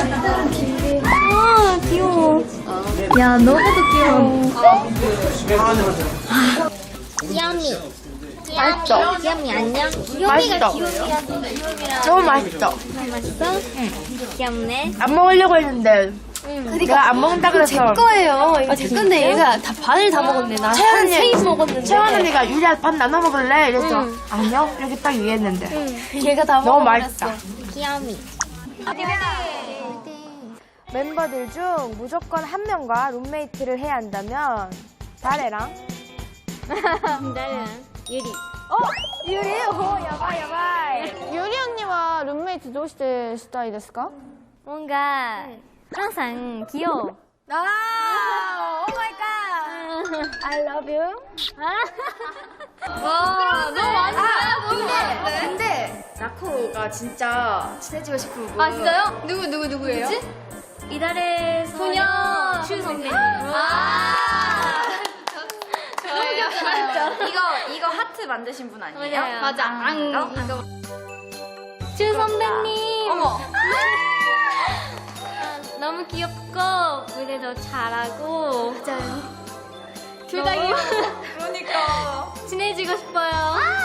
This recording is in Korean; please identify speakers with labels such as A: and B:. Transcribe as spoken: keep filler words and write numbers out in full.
A: 아, 귀여워. 야, 너무도 귀여워.
B: 귀염이.
A: 맛있어.
B: 귀염이 안녕.
A: 맛있어.
B: 귀요미가 귀요미랑
A: 너무 맛있어.
B: 맛있어? 응. 귀엽네.
A: 안 먹으려고 했는데
B: 응.
A: 내가 안 먹는다 그래서
C: 제 거예요. 이거 제 건데 얘가 다 반을 다 먹었네. 나
A: 채연
C: 한
A: 언니,
C: 세 입 먹었는데.
A: 채원 언니가 유리야 밥 나눠 먹을래? 이랬어.
B: 응.
A: 아니요. 이렇게 딱 얘기했는데.
C: 얘가 다
A: 너무
C: 먹어버렸어.
A: 맛있다.
B: 귀염이.
D: 멤버들 중 무조건 한 명과 룸메이트를 해야 한다면 다래랑
B: 나는 유리.
D: 유리? 오 야바이 야바이.
E: 유리 언니와 룸메이트 どうしてしたいですか?
B: 뭔가 항상 귀여워.
D: 아, 오 마이 갓. I love you.
B: 와, 너무 많다.
D: 근데, 근데 나코가 진짜 친해지고 싶은 분.
B: 아, 진짜요? 누구, 누구, 누구예요? 뭐지? 이달의 소녀 슈 선배님. 아, 너무 귀엽잖아요.
D: 이거 이거 하트 만드신 분 아니에요?
B: 맞아요. 맞아. 안, 이거. 슈 선배님.
D: 어머.
B: 아, 너무 귀엽고 무대도 잘하고. 맞아요. 둘 다 귀여워.
D: 그러니까.
B: 친해지고 싶어요.